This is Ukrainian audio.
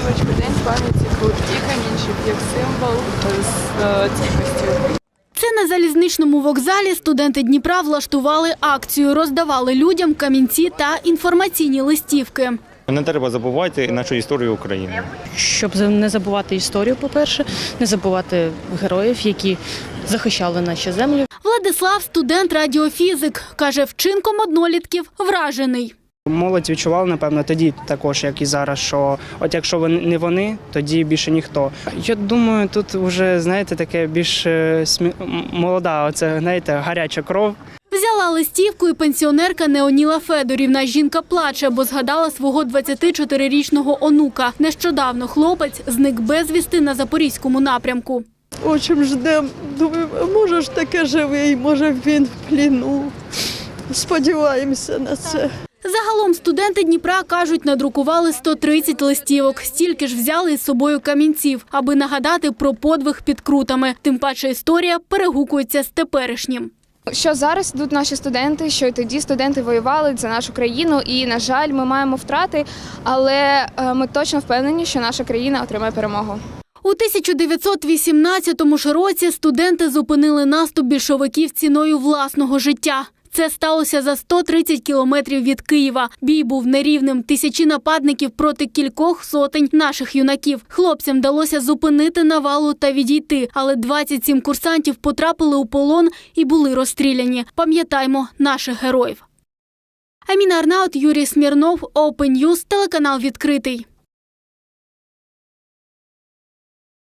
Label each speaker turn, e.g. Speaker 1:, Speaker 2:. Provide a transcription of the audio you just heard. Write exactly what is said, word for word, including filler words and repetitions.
Speaker 1: листівочку «День пам'яті крутки камінчик» як символ стійкості.
Speaker 2: Це на залізничному вокзалі студенти Дніпра влаштували акцію, роздавали людям камінці та інформаційні листівки.
Speaker 3: Не треба забувати нашу історію України.
Speaker 4: Щоб не забувати історію, по-перше, не забувати героїв, які захищали наші землі.
Speaker 2: Владислав – студент-радіофізик. Каже, вчинком однолітків вражений.
Speaker 5: Молодь відчувала, напевно, тоді також, як і зараз, що от якщо не вони, тоді більше ніхто. Я думаю, тут вже, знаєте, таке більш смі... молода, оце, знаєте, гаряча кров.
Speaker 2: Взяла листівку і пенсіонерка Неоніла Федорівна. Жінка плаче, бо згадала свого двадцятичотирирічного онука. Нещодавно хлопець зник безвісти на Запорізькому напрямку.
Speaker 6: Очень ждемо. Думаю, може ж таке живий, може він в пліну. Сподіваємося на це.
Speaker 2: Загалом студенти Дніпра, кажуть, надрукували сто тридцять листівок. Стільки ж взяли із собою камінців, аби нагадати про подвиг під Крутами. Тим паче історія перегукується з теперішнім.
Speaker 1: Що зараз йдуть наші студенти, що й тоді студенти воювали за нашу країну. І, на жаль, ми маємо втрати, але ми точно впевнені, що наша країна отримає перемогу.
Speaker 2: У тисяча дев'ятсот вісімнадцятому ж році студенти зупинили наступ більшовиків ціною власного життя. Це сталося за сто тридцять кілометрів від Києва. Бій був нерівним. Тисячі нападників проти кількох сотень наших юнаків. Хлопцям вдалося зупинити навалу та відійти. Але двадцять сім курсантів потрапили у полон і були розстріляні. Пам'ятаймо наших героїв. Аміна Арнаут, Юрій Смірнов, Open News, телеканал «Відкритий».